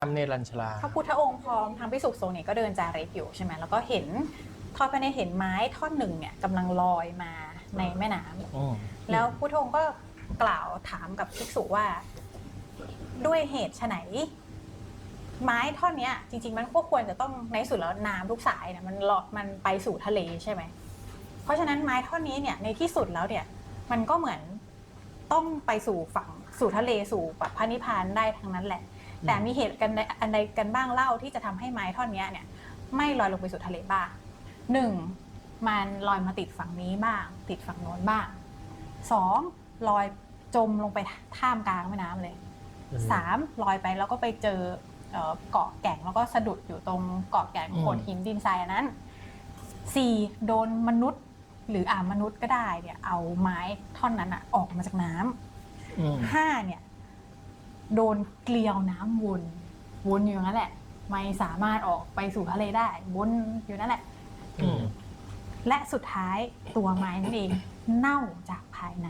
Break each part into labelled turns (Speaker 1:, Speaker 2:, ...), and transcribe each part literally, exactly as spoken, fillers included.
Speaker 1: เนรัญชลา
Speaker 2: พระพุทธองค์พร้อมทั้งภิกษุสงฆ์เนี่ยก็เดินจาริกอยู่ใช่ไหมแล้วก็เห็นทอดพระเนตรเห็นไม้ท่อนหนึ่งเนี่ยกำลังลอยมาในแม่น้ำแล้วพุทธองค์ก็กล่าวถามกับภิกษุว่าด้วยเหตุไฉนไม้ท่อนเนี้ยจริงๆมันก็ควรจะต้องในสุดแล้วน้ำทุกสายเนี่ยมันลอดมันไปสู่ทะเลใช่ไหมเพราะฉะนั้นไม้ท่อนนี้เนี่ยในที่สุดแล้วเนี่ยมันก็เหมือนต้องไปสู่ฝั่งสู่ทะเลสู่แบบพระนิพพานได้ทั้งนั้นแหละแต่มีเหตุกันอันใดกันบ้างเล่าที่จะทำให้ไม้ท่อนนี้เนี่ยไม่ลอยลงไปสู่ทะเลบ้างหนึ่งมันลอยมาติดฝั่งนี้บ้างติดฝั่งโน้นบ้างสองลอยจมลงไปท่ามกลางแม่น้ำเลยสามลอยไปแล้วก็ไปเจอเกาะแก่งแล้วก็สะดุดอยู่ตรงเกาะแก่งโขดหินดินทรายอันนั้นสี่โดนมนุษย์หรืออ่ามนุษย์ก็ได้เนี่ยเอาไม้ท่อนนั้นอะออกมาจากน้ำห้าเนี่ยโดนเกลียวน้ำวนวนอยู่นั่นแหละไม่สามารถออกไปสู่ทะเลได้วนอยู่นั่นแหละและสุดท้ายตัวไม้นั่นเองเน่าจากภายใน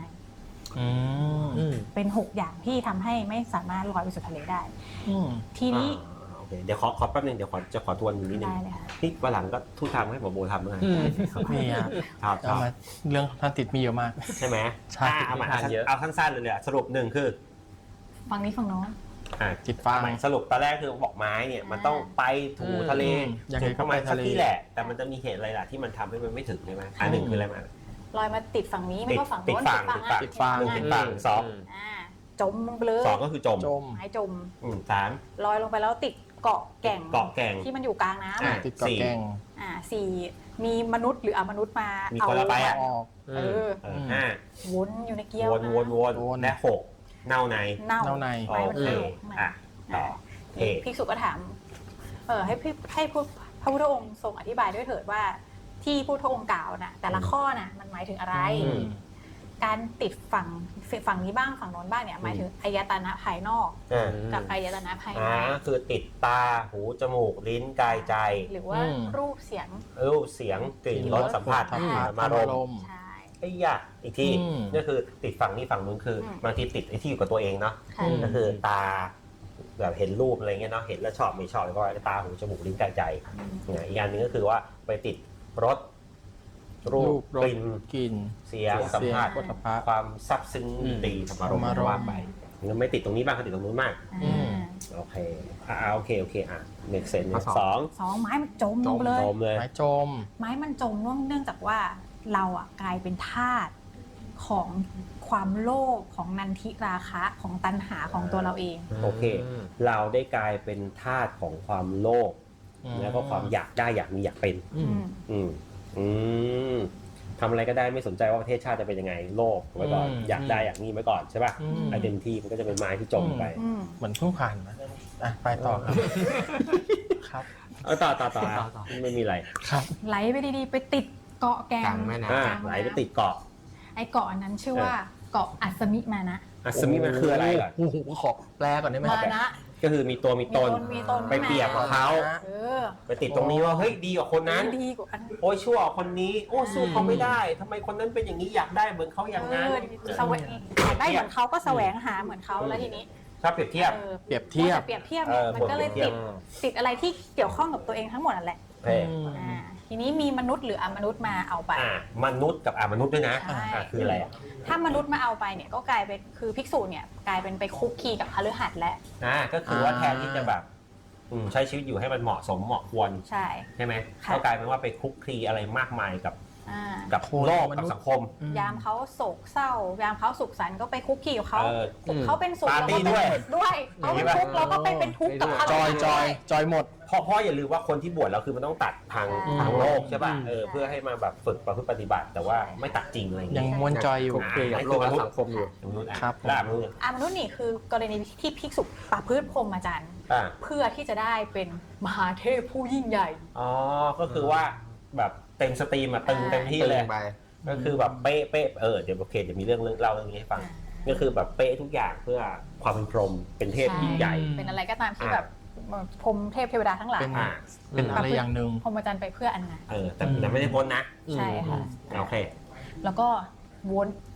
Speaker 2: เป็นหกอย่างที่ทำให้ไม่สามารถลอยไปสู่ทะเลได้ทีนี้
Speaker 3: เดี๋ยวขอขอแป๊บนึงเดี๋ยวขอจะขอทวนนิดนึงที่วันหลังก็ทุกทางให้หมอโบทำเลย
Speaker 1: นี่ครับเรื่องท่านติดมีเยอะมาก
Speaker 3: ใช่ไหมใช่เอามาเอาสั้นๆเลยเนี่ยสรุปหนึ่งคือ
Speaker 2: ฝั่งนี้ฝั่งโน้น
Speaker 1: ติดฟัง
Speaker 3: สรุปตอนแรกคือบอกไม้เนี่ยมันต้องไปถูทะเลถึงประมาณสักที่แหละแต่มันจะมีเหตุอะไรล่ะที่มันทำให้มันไม่ถึงใช่ไหมอันหนึ่งคืออะไรมา
Speaker 2: ลอยมาติดฝั่งนี้ไม่ก็ฝั่งโน้น
Speaker 3: ติดฝั่ง
Speaker 1: ติดฝั่ง
Speaker 3: หนึ่งติดฝั่งสอง
Speaker 2: จมลงไปเลย
Speaker 3: สองก็คือจม
Speaker 2: ไม้จม
Speaker 3: สาม
Speaker 2: ลอยลงไปแล้วติดเกาะแก่ง
Speaker 3: เกาะแก่ง
Speaker 2: ที่มันอยู่กลางน้ำ
Speaker 1: ติดเกาะแก่ง
Speaker 2: อ่าสี่มีมนุษย์หรืออมนุษย์มา
Speaker 3: เอาไปอ
Speaker 1: อก
Speaker 2: เออ
Speaker 3: ห้า
Speaker 2: วนอยู่ในเกี้ยว
Speaker 3: วนวนวนและหกเน่าใน
Speaker 2: เน่า
Speaker 1: ใน
Speaker 3: โอเคอ่ะต่อ
Speaker 2: ภิกษุก็ถามเออให้ให้พระพุทธองค์ทรงอธิบายด้วยเถิดว่าที่พุทธองค์กล่าวน่ะแต่ละข้อน่ะมันหมายถึงอะไรการติดฝั่งฝั่งนี้บ้างฝั่งโน้นบ้างเนี่ยหมายถึงอายตนะภายนอกกับอายตนะภายใน
Speaker 3: คือติดตาหูจมูกลิ้นกายใจ
Speaker 2: หรือว่ารูปเสียง
Speaker 3: รูปเสียงกลิ่นรสสัมผัสมารม
Speaker 2: ใช่
Speaker 3: ไอ้ยะอีกที่นี่คือติดฝั่งนี้ฝั่งนู้นคือบางทีติดไอ้ที่อยู่กับตัวเองเนาะก็คือตาแบบเห็นรูปอะไรเงี้ยเนาะเห็นแล้วชอบไม่ชอบก็ตาหูจมูกลิ้นกายใจอีกอย่างนึงก็คือว่าไปติดรสรูปกลิ่น
Speaker 1: กลิ่น
Speaker 3: เสียงสัมผัสความซับซึ้งดีธรรมารมณ์ว่าไปมันไม่ติดตรงนี้บ้างก็ติดตรงนู้นมากโอเคอ่าโอเคโอเคอ่ะเมกเซนสอง
Speaker 2: สองไม้มันจมเลย
Speaker 1: ไม้จม
Speaker 2: ไม้มันจมเนื่องจากว่าเราอ่ะกลายเป็นทาสของความโลภของนันทิราคะของตัณหาของตัวเราเอง
Speaker 3: โอเคเราได้กลายเป็นทาสของความโลภแล้วก็ความอยากได้อยากมีอยากเป็นอืมอืมทำอะไรก็ได้ไม่สนใจว่าประเทศชาติจะเป็นยังไงโลภไว้ก่อนอยากได้อยากมีไว้ก่อนใช่ป่ะไอเดนทีมันก็จะเป็นไม้ที่จมไป
Speaker 1: เหมือนเพิ่งผ่านนะอ่ะไปต่อครับครับ
Speaker 3: เอาต่อต่อต่อไม่มีอะไร
Speaker 1: ครับ
Speaker 2: ไหลไปดีๆไปติดเกาะแก่ง
Speaker 3: ไหลไปติดเกาะ
Speaker 2: ไอเกาะนั้นชื่อว่าเกาะอัศมิมานะ
Speaker 3: อัศมิมันคืออะไรก่อน
Speaker 1: โอ้โหขอแปลก่อนได้ไหม
Speaker 2: มานะ
Speaker 3: ก็คือมีตัวมีตนไปเปรียบกับเขาไปติดตรงนี้ว่าเฮ้ยดีกว่าคนนั้น
Speaker 2: ดีกว่า
Speaker 3: โอ้ยชั่วคนนี้โอ้สู้เขาไม่ได้ทำไมคนนั้นเป็นอย่างนี้อยากได้เหมือนเขาอย่างนั้น
Speaker 2: แสวงอยากได้เหมือนเขาก็แสวงหาเหมือนเขาแล้วทีนี้
Speaker 3: ถ้าเปรียบเทียบ
Speaker 1: เปรียบเทียบ
Speaker 2: เปรียบเทียบมันก็เลยติดติดอะไรที่เกี่ยวข้องกับตัวเองทั้งหมดนั่นแหละทีนี้มีมนุษย์หรืออมนุษย์มาเอาไป
Speaker 3: มนุษย์กับอมนุษย์ด้วยนะคืออะไรอ่ะ
Speaker 2: ถ้ามนุษย์มาเอาไปเนี่ยก็กลายเป็นคือภิกษุเนี่ยกลายเป็นไปคุกคีกับคฤหัสถ์แล้ว
Speaker 3: อ่าก็คือว่าแทนที่จะแบบใช้ชีวิตอยู่ให้มันเหมาะสมเหมาะควร
Speaker 2: ใช่
Speaker 3: ใช่ไหมก็กลายเป็นว่าไปคุกคีอะไรมากมายกับกับโลกกับสังคม
Speaker 2: ยามเขาโศกเศร้ายามเขาสุขสันต์ก็ไปคุกคีกับเขาเขาเป็นสุขเราก็เป็น
Speaker 3: ด้วย
Speaker 2: ด้วยเขาเป็นทุกข์เราก็ไปเป็นทุกข์กับเขา
Speaker 1: จอยจอยจอยหมด
Speaker 3: เพราะเพราะอย่าลืมว่าคนที่บวชแล้วคือมันต้องตัดทางทางโลกใช่ป่ะเออเพื่อให้มาแบบฝึกประพฤติปฏิบัติแต่ว่าไม่ตัดจริงอะไรอย่างเงี้
Speaker 1: ยยังม้วนจอยอยู่
Speaker 3: โลกสังคมอยู่
Speaker 1: ครับ
Speaker 3: ล่ามนุษย์
Speaker 2: อ่ามนุษย์นี่คือกรณีที่ภิกษุประพฤติพรหมจรรย์เพื่อที่จะได้เป็นมหาเทพผู้ยิ่งใหญ่
Speaker 3: อ๋อก็คือว่าแบบเต็มสตรีมอ่ะตึงเต็มที่เลยก็คือแบบเป๊ะเป๊ะเออเดี๋ยวโอเคเดี๋ยวมีเรื่องเรื่องเล่าเรื่องนี้ให้ฟังก็คือแบบเป๊ะทุกอย่างเพื่อความเป็นพรหมเป็นเทพยิ่งใหญ่
Speaker 2: เป็นอะไรก็ตามที่แบบพรหมเทพเทวดาทั้งหลาย
Speaker 1: เป็นอะไรอย่างหนึ่ง
Speaker 2: พรหมจรรย์ไปเพื่ออันนั้น
Speaker 3: เออแต่ไม่ได้พ้นนะ
Speaker 2: ใช่ค่ะ
Speaker 3: โอเค
Speaker 2: แล้วก็วน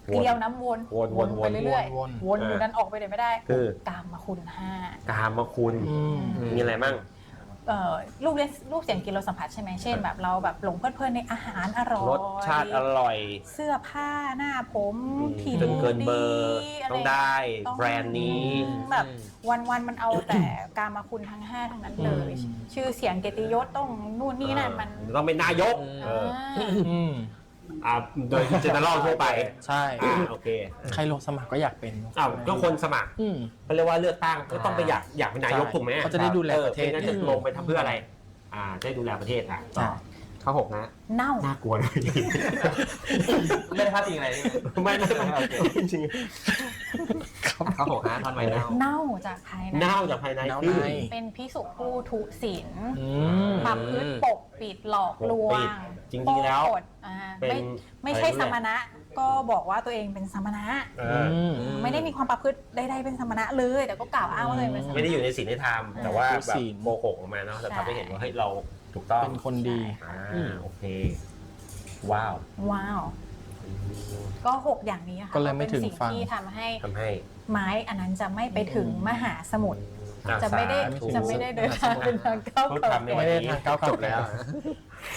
Speaker 2: เกลียวน้ำวน
Speaker 3: วนวนวน
Speaker 2: ไปเรื่อย
Speaker 1: วน
Speaker 2: ๆวนอยู่นั้นออกไปไหนไม่ได้
Speaker 3: คือ
Speaker 2: กามคุณห้าก
Speaker 3: ามคุณ
Speaker 1: อืม
Speaker 3: มีอะไรบ้าง
Speaker 2: เอ่อรูปเล่นรูปเสียงกลิ่นรสสัมผัสใช่ไหมเช่นแบบเราแบบหลงเพลิดเพลินในอาหารอร่อย
Speaker 3: รสชาติอร่อย
Speaker 2: เสื้อผ้าหน้าผม
Speaker 3: อืม
Speaker 2: ผิว
Speaker 3: จนเกินเบอร์
Speaker 2: ดีะร
Speaker 3: ต้องได้
Speaker 2: ต้อง
Speaker 3: แบรนด์นี้
Speaker 2: แบบวันวันๆมันเอาแต่กามาคุณทั้งห้าทั้งนั้นเลย
Speaker 1: อืม
Speaker 2: ชื่อเสียงเกียรติยศต้องนู่นนี่นั่นมัน
Speaker 3: ต้องเป็นนายกเออ
Speaker 2: อ่า
Speaker 1: อืม
Speaker 3: อ่าโดยเจเนอเรลทั่วไป
Speaker 1: ใช่
Speaker 3: อ่าโอเค
Speaker 1: ใครลงสมัครก็อยากเป็น
Speaker 3: อ้าวก็คนสมัคร
Speaker 1: อืม
Speaker 3: เขาเรียกว่าเลือกตั้งก็ต้องไปอยากอยากเป็นนายก
Speaker 1: ใช่
Speaker 3: ถูกไหม
Speaker 1: เขาจะได้ดูแลประเทศ
Speaker 3: ออไม่งั้นจะลงไปทำเพื่ออะไร อ่าจะได้ดูแลประเทศอ่ะ
Speaker 1: ใช่
Speaker 3: ข้อหกนะ
Speaker 2: เน่า
Speaker 3: น่ากลัวเลย
Speaker 4: ไม่ได้พลาดจริงอะไรนี่
Speaker 3: ไม่ไม่ไม่จริง
Speaker 4: ข้าวหกฮะทอนไม้เน่า
Speaker 2: เน่าจากภายใน
Speaker 3: ๆเน่าจากภายใน
Speaker 1: เน่า
Speaker 3: คือ
Speaker 1: ใน
Speaker 2: เป็นพิสุผู้ทุศีล
Speaker 1: อืม
Speaker 2: ปรับพืชปกปิดหลอกลว
Speaker 3: ปกปิ
Speaker 2: ง
Speaker 3: ดจริงๆแล้ว
Speaker 2: โปกดอ่า
Speaker 3: เป็น
Speaker 2: ไม่ไม่ใช่
Speaker 3: อะไร
Speaker 2: ส
Speaker 3: รู้ไหม
Speaker 2: มณะก็บอกว่าตัวเองเป็นสมณะ
Speaker 3: เอ
Speaker 1: อื
Speaker 3: อ
Speaker 1: ม
Speaker 2: ไม่ได้มีความประพฤติใดๆเป็นสมณะเลย แต่ก็กล่าวอ้างว่าตัวเองเป็นสม
Speaker 3: ไม่ได้
Speaker 2: ณะ
Speaker 3: อยู่ในศีลในธรรมแต่ว่า
Speaker 1: ถือ
Speaker 3: แบบ
Speaker 1: ศีล
Speaker 3: โกหกออกมาเนาะจะ
Speaker 2: ใช่
Speaker 3: ทำให้เห็นว่าเฮ้ยเราถูกต้อง
Speaker 1: เป็นคนดี
Speaker 3: อ่า
Speaker 1: อืม
Speaker 3: โอเค ว้าว
Speaker 2: ว้าว ก็หกอย่างนี้ค่ะ
Speaker 1: ก็เลยไม่ถึง
Speaker 2: ป็นสิ่
Speaker 1: ฝั่ง
Speaker 2: ที่ทำให้
Speaker 3: ทำให้
Speaker 2: ไม้อันนั้นจะไม่ไปถึงมหาสมุทร
Speaker 3: อ่า
Speaker 2: จะไม่ได้
Speaker 3: สาธุ
Speaker 2: จะไม่ได้เดินทางเป็นทางก้าว
Speaker 3: พูด
Speaker 2: ไกล
Speaker 3: ทำในวั
Speaker 1: ไม่
Speaker 3: น
Speaker 1: ได้
Speaker 3: นี้
Speaker 1: ทางก้าว
Speaker 3: จบแล้ว